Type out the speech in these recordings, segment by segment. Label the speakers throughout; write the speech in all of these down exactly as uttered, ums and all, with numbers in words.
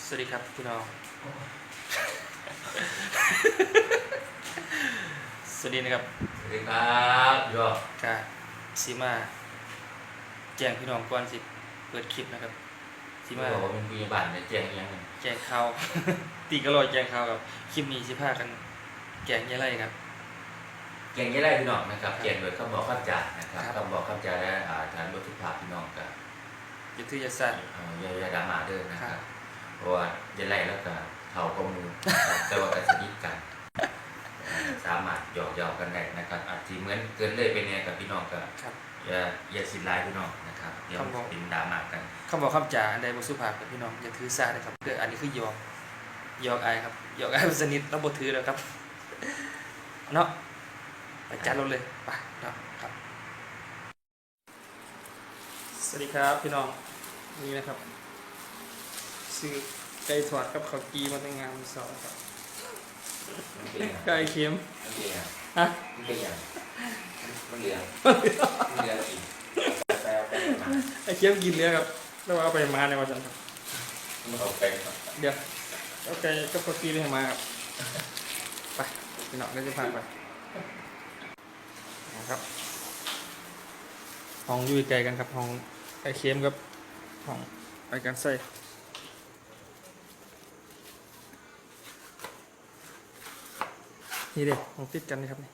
Speaker 1: สวัสดีครับพี่น้องสวัสดีนะครับ
Speaker 2: สวัสดีครับยอด
Speaker 1: กาซีมาแจ้งพี่น้องก่อนสิเปิดคลิปนะครับซีมา
Speaker 2: บอกว่าเป็นพยาบาลเนี่ยแจ้งยังไง
Speaker 1: แจ้งข่าว ตีกระโดดแจ้งข่าวกับคลิปนี้สิพากันแจ้งยังไงครับ
Speaker 2: แจ้งยังไงพี่น้องนะครับแจ้งโดยคำบอกคำจ่านะครับคำบอกคำจ่าและฐานบทสุภาพพี่น้องกับ
Speaker 1: ยุทธยาศาสตร์
Speaker 2: ยายาดามาเดินนะครับเพราะว่ายังไงแล้วก็เท่าข้อมูลแต่ว่าการสนิทกันสามารถหยอกเย้ากันได้นะครับอาจจะเหมือนเกินเลยไปเนี่ยกับพี่น้องกับอย่าอย่าสินร้ายพี่น้องนะครับอย่าเป็นดราม่ากัน
Speaker 1: คำบอกคำจ่าใดบทสุภาพกับพี่น้องอย่าถือสานะครับเพื่ออันนี้คือหยอกหยอกไอครับหยอกไอสนิทแล้วบทถือแล้วครับเนาะไปจัดรถเลยไปเนาะครับสวัสดีครับพี่น้องนี่นะครับซื้อไก่ทอดกับข้าวกีมาตั้งงานสองครับไก่เค็มฮะ
Speaker 2: มันเป็นอย่างมันเหลือมันเหลืออีกแปลแปลมา
Speaker 1: ไอ้เค็มกินเนื้อครับแล้วเอาไปมาในวันจันทร์ครับ
Speaker 2: มันเอาไป
Speaker 1: เดี๋ยวเอาไก่กับข้าวกีนี่ให้มาครับไปพี่น้องได้จะพาไปนะครับห้องอยู่ไกลกันครับห้องไอ้เค็มกับห้องไอ้กันใส่นี่เด็กห้องติดกันนี่ครับนี่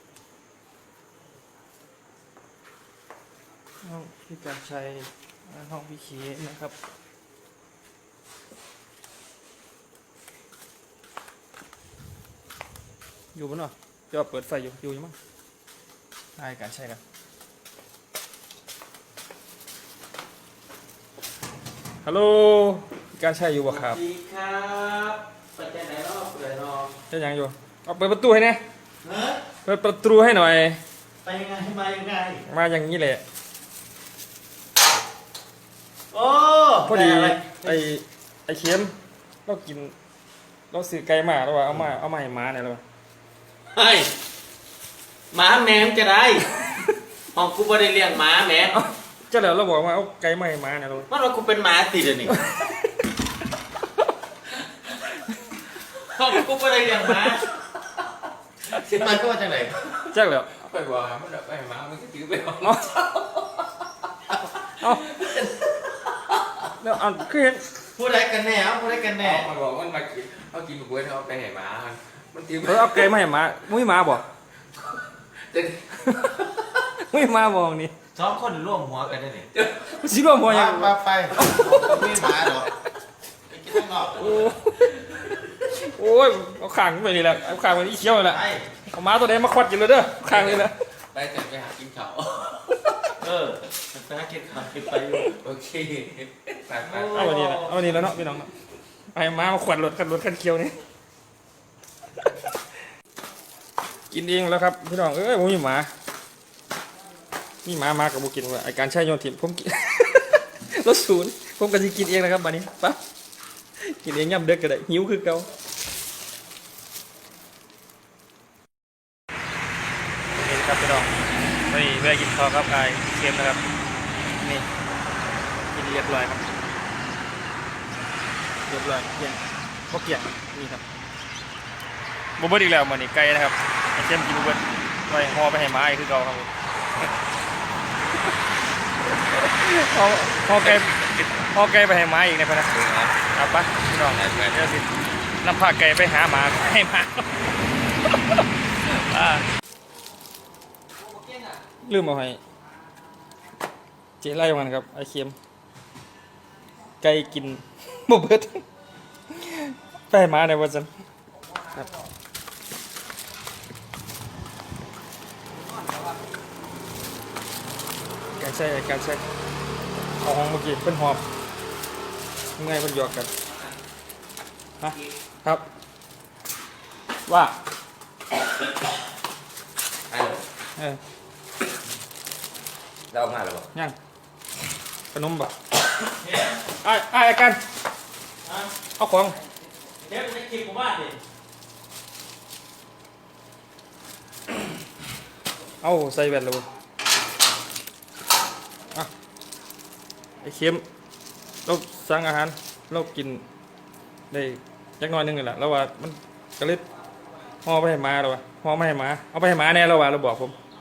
Speaker 1: ห้องพี่การชัยห้องพี่เขียนะครับอยู่บนเนาะจะเปิดไฟอยู่อยู่มั้งได้การใช่กันฮัลโหลการใช่อยู่บ่ครับ
Speaker 2: สวัสดีครับเปิดใจไหนรอบเปิดรอ
Speaker 1: จะยังอยู่เอาเปิดประตูให้แน่เปิดประตูให้หน่อย
Speaker 2: ไปยังไงมายังไง
Speaker 1: มาอย่างนี้แหละ
Speaker 2: โอ้
Speaker 1: พอดีไอไอเค็มเรากินเราซื้อไก่มาแล้วว่าเอามาเอามาให้หมาเนี่ยแล้ว
Speaker 2: เฮ้ยหมาแมวจะได้ห้องกูไม่ได้เลี้ยงหมาแมว
Speaker 1: เจ้าแล้วเราบอกว่าเอาไก่มาให้หมาเนี่ยเรา
Speaker 2: มันว่ากูเป็นหมาติดเลยนี่ห้องกูไม่ได้เลี้ยงหมาสิมันก็มาจากไหน
Speaker 1: เจ้าแล้ว
Speaker 2: ไปว่ามันแบบไปหมามันก็ถือไปเอา
Speaker 1: เอาแล้วเอาคือเห็น
Speaker 2: พูดอะไรกันแน่เอาพูดอะไรกันแน่
Speaker 3: มันบอกมันมากินเขากินบุ้ยเขาไปไหนมามันตี
Speaker 1: เออเอาไก่มาให้หมามุ้ยหมาบอกมุ้ยหมาบอกนี่
Speaker 2: สองคนร่วมหัวกันได้เนี่ย
Speaker 1: สิร่วมหัวยัง
Speaker 2: มาไปไม่หมาหรอไปกินข้างนอก
Speaker 1: โอ้ยเอาขางไปนี่แหละเอาขางไปนี่เขี้ยวเลยแหละเอาหมาตัวไหนมาควัดกินเลยเด้อขางนี่แหละ
Speaker 3: ไปแต่ไปหากินเขา
Speaker 2: เออไปหากินข้าวไป
Speaker 3: โอเคไปไป
Speaker 1: เอาวันนี้แหละเอาวันนี้แล้วเนาะพี่น้องไอ้หมามาขวัดรถกันรถกันเขี้ยวนี่กินเองแล้วครับพี่น้องเอ้ยผมมีหมานี่หมามากับบุกินว่าไอการใช้โยนถิ่นผมกินรถศูนย์ผมก็จะกินเองนะครับบัดนี้ปั๊บกินเองย่ำเด็กก็ได้หิวคือเก่าเห็นครับพี่น้องนี่เวลากินข้าวครับไอเค็มนะครับนี่กินเรียบร้อยครับเรียบร้อยเกี่ยงพวกเกี่ยงนี่ครับบุบเบิ้ลอีกแล้วมันนี่ไก่นะครับไอเค็มกินบุบเบิ้ลไปห่อไปให้หมาอีกคือเก่าครับพอพอไกลพอไกลไปให้หมาอีกในพนักครับปะพี่น้องเดี๋ยวสินำพาไก่ไปหาหมาให้หมาลืมเอาให้เจ๊ไล่มันครับไอเค็มไก่กินบุบเบิ้ลไปให้หมาในวันจันทร์ครับการใช้การใช้เอาห้องเมื่อกี้เป็นหอบยังไงเป็นหยอกกันฮะครับว่าเออ
Speaker 3: เรามาหรือเปล่า
Speaker 1: ยังขนมบ่ไอ้ไอ้กันเอาของ
Speaker 2: เดี๋ยวจะกินกูบ้านดิ
Speaker 1: เอาใส่แบตเลยไอ้เค็มเราสั่งอาหารเรากินได้จักหน้อยหนึงนี่แหละแล้วว่ามันก็เลยห่อไปให้หมาแล้วว่าห่อไม่ให้หมาเอาไปให้หมาแน่แล้วว่าเราบอกผม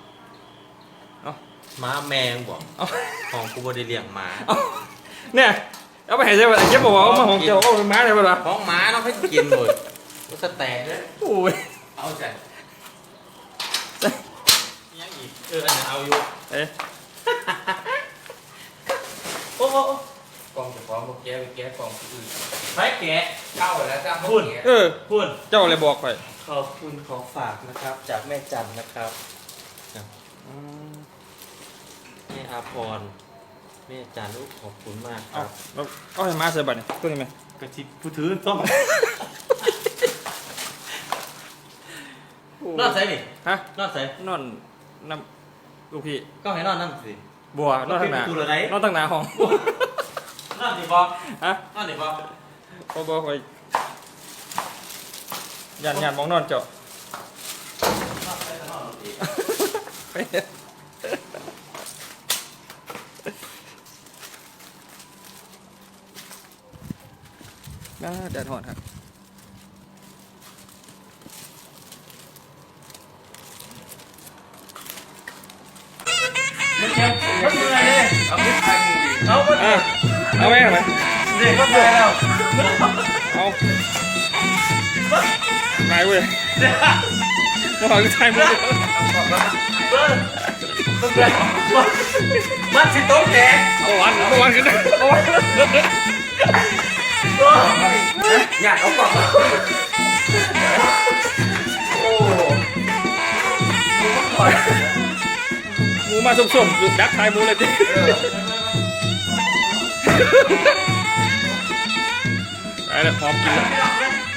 Speaker 4: ม้าแมงบอก
Speaker 1: เอา
Speaker 4: ของกูบ่ได้เลี้ยงม้า
Speaker 1: เอาเนี่ยเอาไปให้ใช่ป่ะไอ้เจ็บบอกว่าเอามาของเจ้าเอาไปหมาได้ป่ะล่ะ
Speaker 4: ของม้าเนาะให้กินหมดก็สแต็กเนี่ย
Speaker 1: โอ้ย
Speaker 4: เอาใจยังอีกเอออันนี้เอาอยู่
Speaker 1: เอ๊ะ
Speaker 4: โอ้โห
Speaker 2: กล่องจะฟ้องพวกแกไปแกะกล่องที่อื่น
Speaker 4: ไปแกะ
Speaker 2: เข้าแล้วจ้าพว
Speaker 4: พู
Speaker 2: ก
Speaker 4: ด
Speaker 2: แกะ
Speaker 1: เออ
Speaker 4: พูด
Speaker 1: เจ้าเลยบอกไป
Speaker 4: ขอบคุณของฝากนะครับ จากแม่จันนะครับแม่อาพรแม่จันลูกขอบคุณมากค
Speaker 1: เอา
Speaker 4: รับ
Speaker 1: แล้วเอาให้หมาใส่บัตรนี่ตัวนี้ไหม
Speaker 4: กระชิบผู้ถือต้องนอนใส่นี่
Speaker 1: ฮะ
Speaker 4: นอนใส่
Speaker 1: นอนน้ำลูกพี่
Speaker 4: ก็ให้นอนนั่นสิ
Speaker 1: บัวนอนทางหน้า
Speaker 4: เอาขึ้นประตูเลยไหน
Speaker 1: นอนทางหน้าห้อง
Speaker 4: นอนดิบอ
Speaker 1: ฮะ
Speaker 4: นอนดิบอ
Speaker 1: บ่บ่คอยยันยันมองนอนเจาะ
Speaker 4: นอนใส่แต่นอนดิ
Speaker 1: น่าแดดหอนครับเอาไปเอาไหมเอาไหม
Speaker 4: เด็กก็ไปแล้ว
Speaker 1: เอานายเว้ยมาหอยไทยมึง
Speaker 4: มันสิโต๊ะแก
Speaker 1: เอาวันเอาวันกันเอาวัน
Speaker 2: อยากเอากล่องมาโอ้
Speaker 1: หมูมาส้มๆอยู่ดักไทยหมูเลยจิไปแล้วพร้อมกินแล้ว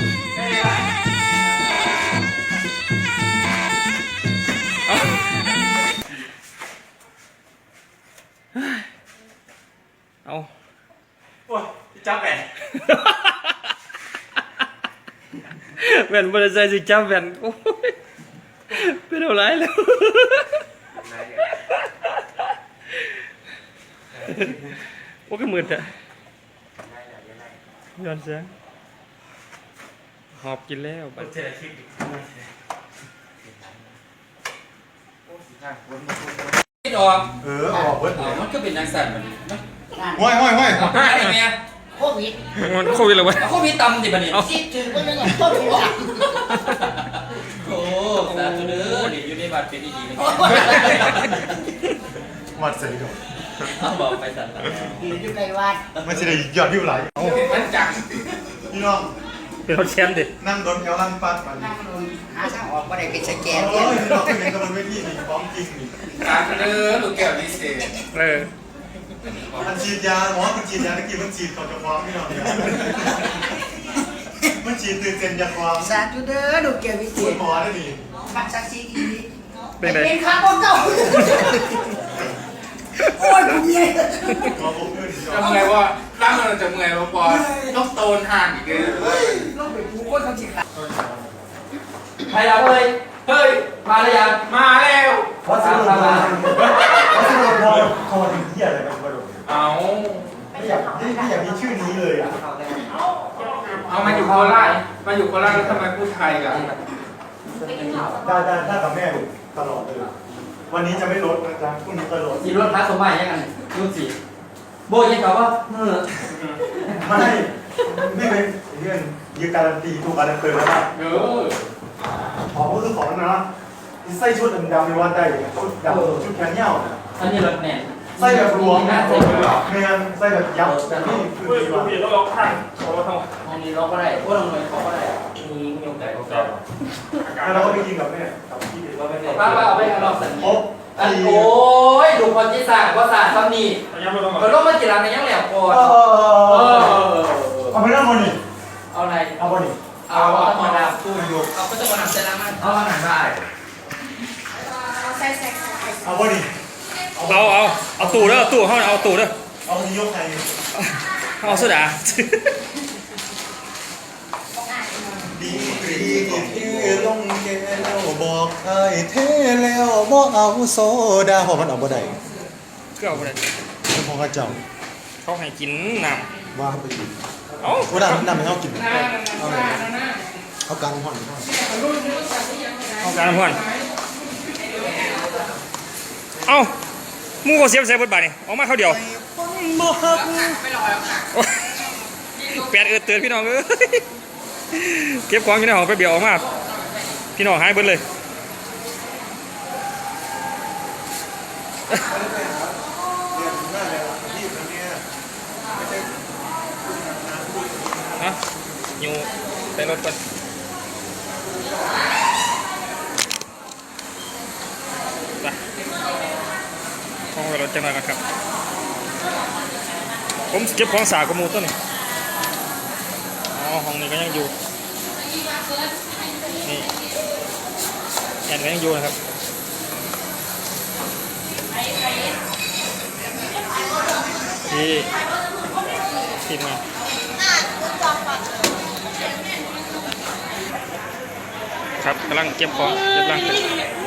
Speaker 1: เอาเอา
Speaker 4: โอ้ยจับแหวน
Speaker 1: แว่นบริษัทสิจับแว่นโอ้ยเป็นอะไรแล้วโอ้ก็มืดอะย้อนเสียงหอบกินแล้วบัด
Speaker 4: เจอคลิป
Speaker 2: ไม่ดอก
Speaker 5: เออออกเบิดเล
Speaker 2: เอา
Speaker 5: ย
Speaker 2: มันก็เป็นนางสัตว์มันมัน
Speaker 5: ห้อยห้อยห้อย
Speaker 2: เอาห้าได้ไหมอะ
Speaker 6: โควิด
Speaker 1: มันโควิดแล้วเว้ย
Speaker 2: เอาเขามีตำดิบันนี่
Speaker 6: สิถือว่าเรื่องโควิดอ่ะ
Speaker 2: โอ้สาธุเด้อเดี๋ยวอยู่ในบัตรเป็นดีๆนะ
Speaker 5: มัดเสร็จแล้ว
Speaker 2: เอาบอกไปสัตว์
Speaker 6: อยู่อยู่ในวัด
Speaker 5: มันจะได้ยอดวิวไหล
Speaker 2: มันจัง
Speaker 5: พี่น้อง
Speaker 1: เป็นรถแชมป์ดิ
Speaker 5: นั่งโดนแถวลั่นปัดปัน
Speaker 6: นั่งลงหาทางออกก็ได้เป็นสแก
Speaker 5: โอ้
Speaker 6: น
Speaker 5: ย
Speaker 6: เนี่ย
Speaker 5: พี่น้องเป็นไงกับมันเวทีนี่พร้อมจริงนี่
Speaker 2: สาธุเด้อลูกแก้วดีเซ่
Speaker 1: เออ
Speaker 5: มันฉีดยาหมอมันฉีดยาตะกี้มันฉีดก่อนจะฟ้องพี่น้องเนี่ยมันฉีดตื่นเต้นยาฟ้อง
Speaker 6: สาธุเด้อดูเกี่ยววิ
Speaker 5: คุ
Speaker 6: เศ
Speaker 5: ณ
Speaker 6: ษ
Speaker 5: หมอได้ดิ
Speaker 6: บัตรศักดิ์สิทธิ์อีก
Speaker 1: เป็นไง
Speaker 6: เป็นข้าวเก่าโอ้ยกูเมีย
Speaker 5: หมอผมเพื่อน
Speaker 2: จะเมื่อยว่าร่างเราจะเมื่อยว่าพอต้องโตนห่างอีกเลย
Speaker 6: ลูกเป็นผู้คนทำสิค่ะ
Speaker 2: ใครเราเฮ้ยเฮ้ยมาแล้วยังมาแล้ว
Speaker 5: วัสดุพอวัสดุพอพอถึงที่อะไรกันวัสดุ
Speaker 2: เอา
Speaker 5: ไม่อยากไม่อยากมีชื่อนี้เลยอ่ะ
Speaker 2: เอามาอยู่โคราชมาอยู่โคราชแล้วทำไมพูดไทยกัน
Speaker 5: ได้ได้ได้กับแม่ตลอดเลยวันนี้จะไม่ลดนะจ๊ะพรุ่งนี้จะลด
Speaker 2: สีรถพระสมบัติยังไงรุ่นสีโบยังกับว่าเออ
Speaker 5: ไม่ไม่เป็นเรื่องยืนการันตีถูกการันตีแล้วว่า
Speaker 2: เออ
Speaker 5: ของก็คือของนะใส่ชุดดำๆในวันได้ชุดดำชุดแขนยาวนะ
Speaker 2: อันนี้รถแน่น
Speaker 5: ใส่แบบรวม
Speaker 2: นะ
Speaker 5: นะ
Speaker 2: ใส่แบบรวม
Speaker 5: ไม่งั้นใส่แบบยับแต่นี่คือ
Speaker 1: เฮ้ย
Speaker 5: ดี
Speaker 1: โค
Speaker 5: ว่า
Speaker 1: วิดแล้วเราข้างเราทำ
Speaker 2: อันนี้เราก็ได้พวกเราเลยเขาก็ได้มีมีโอกาสเขาก็
Speaker 5: แล้วเราก็ไปกินกับแม่กับพี่
Speaker 2: เราไม่ได้ป้าป้าเอาไปเอาเราสัญ
Speaker 5: ครบ
Speaker 2: อัน
Speaker 5: สี่
Speaker 2: โอ้ยดูคนที่สาว่าสาซ้ำนี่
Speaker 1: ยังไม่ลง
Speaker 2: มันต้องมาจีรังในยังแหลมก่อน
Speaker 5: เอ
Speaker 2: เอ
Speaker 5: อ
Speaker 2: อ
Speaker 5: เอาไปนั่งบนนี่
Speaker 2: เอาอะไร
Speaker 5: เอาบนนี่
Speaker 2: เอาเอามาดามตู้อยู่เอาก็จะมาดามเซรามันเอาหนังได้
Speaker 6: ใส่ใส่
Speaker 5: เอาบนนี่
Speaker 1: เอาเอาเอาตู้เด้อตู้เขาเอาตู้เด้อ
Speaker 5: เอาที่ยกใคร
Speaker 1: เอาโซดา
Speaker 5: ดีกรีที่ที่ลงแก้วบอกไอ้เทแล้วบ่เอาโซดาเพราะมันเอาบ่ได้
Speaker 1: ก็เอาไปเลย
Speaker 5: เป็นของข้าเจ้า
Speaker 1: เขาให้กินน้
Speaker 5: ว่าไปอีก
Speaker 1: ำเอ้า
Speaker 5: โอ้ดำดำไม่เอากินเอาเลยเอาการห่อนห่อน
Speaker 1: เอาการเพื่อนเอ้ามูก็เสียบใส่บทบาทนี่ออกมาเขาเดียว
Speaker 5: บ่ฮัก
Speaker 1: แปดเอิดเตือนพี่น้องเอ้ยเก็บของอยู่ในห้องไปเบียวออกมาพี่น้องหายเบิดเลยฮะอยู่ในรถก่อนไปห้องไปรถจังหน่อยก่อนครับผมเก็บของสากกระมูต้นนี่อ๋อห้องนี้ก็ยังอยู่นี่แอนก็ยังอยู่นะครับที่ทีมงานครับกำลังเก็บของเก็บร่าง